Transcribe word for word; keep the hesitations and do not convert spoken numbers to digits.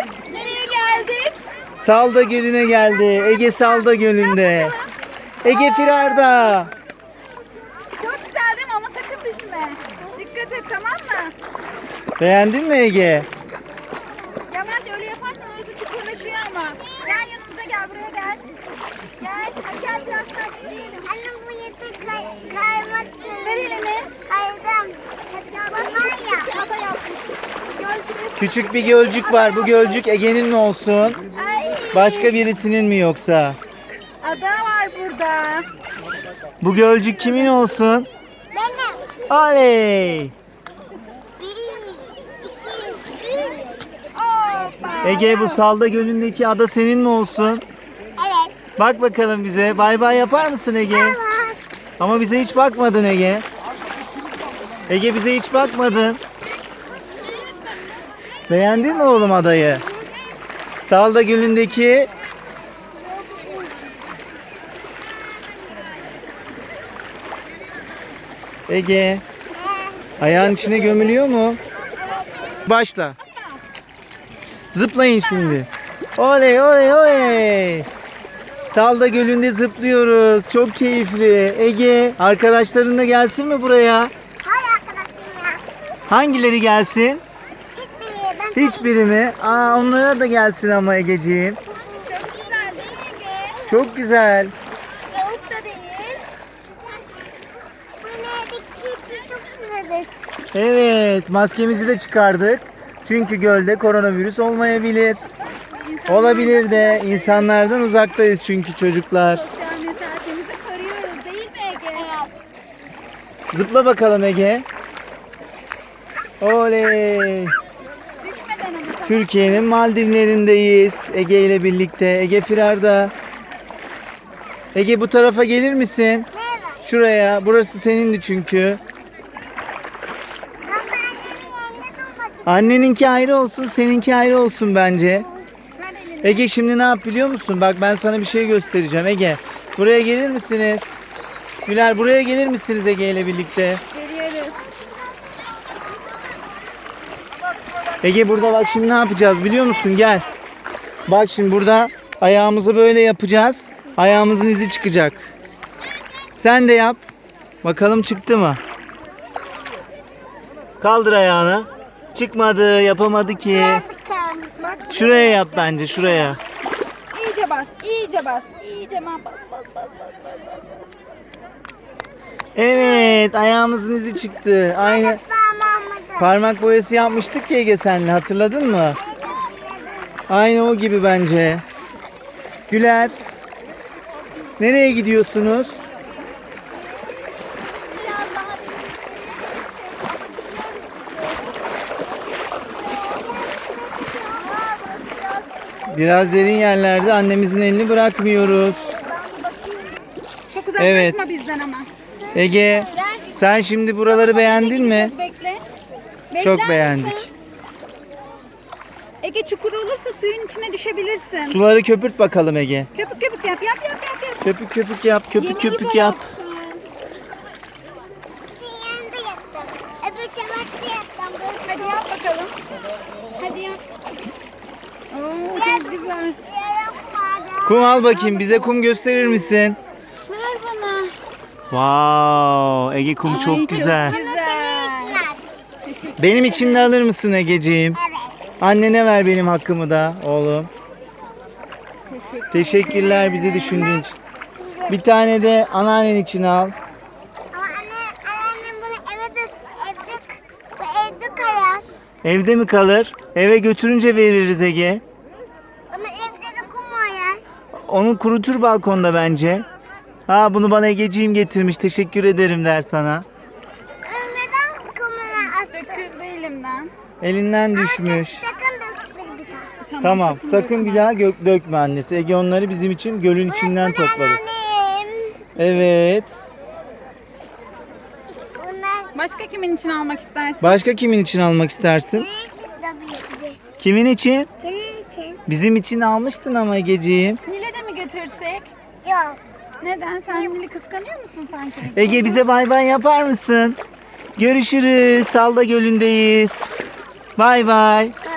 Neredeyiz? Nereye geldik? Salda Gölü'ne geldi. Ege Salda Gölü'nde. Ege Firarda. Çok güzel değil mi? Ama sakın düşme. Dikkat et, tamam mı? Beğendin mi Ege? Yavaş, öyle yaparsan orası çukurlaşıyor ama. Gel yanımıza, gel buraya gel. Gel. Hadi gel biraz takip Anne bu yetek kaymak. Ver elini. Kaydım. Hadi gel bak. Var ya. Ada yapmış. Gördünüz. Küçük bir gölcük var. Bu gölcük Ege'nin mi olsun? Ay. Başka birisinin mi yoksa? Ada var burada. Bu gölcük kimin olsun? Benim. Oley! Bir, iki, üç. Hoppa. Ege, bu Salda Gölü'ndeki ada senin mi olsun? Evet. Bak bakalım bize. Bay bay yapar mısın Ege? Tamam. Ama bize hiç bakmadın Ege. Ege, bize hiç bakmadın. Beğendin mi oğlum adayı? Salda Gölü'ndeki Ege, ayağın içine gömülüyor mu? Başla. Zıplayın şimdi. Oley oley oley. Salda Gölü'nde zıplıyoruz. Çok keyifli. Ege, arkadaşların da gelsin mi buraya? Hay arkadaşım ya. Hangileri gelsin? Hiçbiri. Ben Hiçbiri mi? Aa, onlara da gelsin ama Egeciğim. Çok güzel değil mi Ege? Çok güzel. Soğuk da değil. bu neredeki çok güzeldir. Evet, maskemizi de çıkardık. Çünkü gölde koronavirüs olmayabilir. Olabilir de, insanlardan uzaktayız çünkü çocuklar. Sosyal mesafemizi koruyoruz değil mi Ege? Evet. Zıpla bakalım Ege. Oley. Düşmeden ama tamam. Türkiye'nin Maldivlerindeyiz. Ege ile birlikte. Ege Firarda. Ege, bu tarafa gelir misin? Merhaba. Şuraya. Burası senindi çünkü. Ama annemin yanında durmadım. Anneninki ayrı olsun, seninki ayrı olsun bence. Ver elini. Ege, şimdi ne yap biliyor musun? Bak, ben sana bir şey göstereceğim Ege. Buraya gelir misiniz? Güler, buraya gelir misiniz Ege ile birlikte? Veriyoruz. Ege, burada bak şimdi ne yapacağız biliyor musun? Gel. Bak şimdi burada ayağımızı böyle yapacağız. Ayağımızın izi çıkacak. Sen de yap. Bakalım çıktı mı? Kaldır ayağını. Çıkmadı, yapamadı ki. Tıkanmış. Bak Şuraya yap bence, şuraya. iyice bas, iyice bas, iyice bas, bas, bas, bas, bas, bas, bas. Evet, ayağımızın izi çıktı. Aynı Tamamladım. parmak boyası yapmıştık ya Ege senle, hatırladın mı? Aynı o gibi bence. Güler. Nereye gidiyorsunuz? Biraz daha Biraz derin yerlerde annemizin elini bırakmıyoruz. çok uzaklaşma Evet. bizden ama. Ege, Gel. sen şimdi buraları beğendin mi? Gideceğiz, Bekle. Bekler Çok misin? beğendik. Ege, çukur olursa suyun içine düşebilirsin. Suları köpürt bakalım Ege. Köpük köpük yap, yap, yap, yap, yap. Köpük köpük yap, köpük Yemeği köpük böyle yap. yaptın. Bir yanında yattım. Öbür tarafta yattım. Hadi yap bakalım. Hadi yap. Oo, çok güzel. Yapmadım. Kum al bakayım, bize kum gösterir misin? Ver bana. Wow, Ege kum Ay, çok güzel. güzel. Teşekkür Benim için de alır mısın Egeciğim? Evet. Annene ver benim hakkımı da oğlum. Teşekkür. Teşekkürler bizi düşündüğün için. Bir tane de anneannen için al. Ama anne, anneannem bunu eve de evde, bu evde kayar. Evde mi kalır? Eve götürünce veririz Ege. Ama evde de kum oyar. Onu kurutur balkonda bence. Ha, bunu bana Egeciğim getirmiş. Teşekkür ederim der sana. Neden kumuna attın? Döküldü elimden. Elinden düşmüş. Sakın dökme bir daha. Tamam, sakın bir daha gök dökme annesi. Ege onları bizim için gölün içinden Bu topladı. anneannem. Evet. Bunlar Başka kimin için almak istersin? Başka kimin için almak istersin? tabii ki. Kimin için? Senin için. Bizim için almıştın ama Egeciğim. Nil'e de mi götürsek? Yok. Neden? Sen Nil'i kıskanıyor musun sanki? Ege, bize bay bay yapar mısın? Görüşürüz. Salda Gölü'ndeyiz. Bay bay.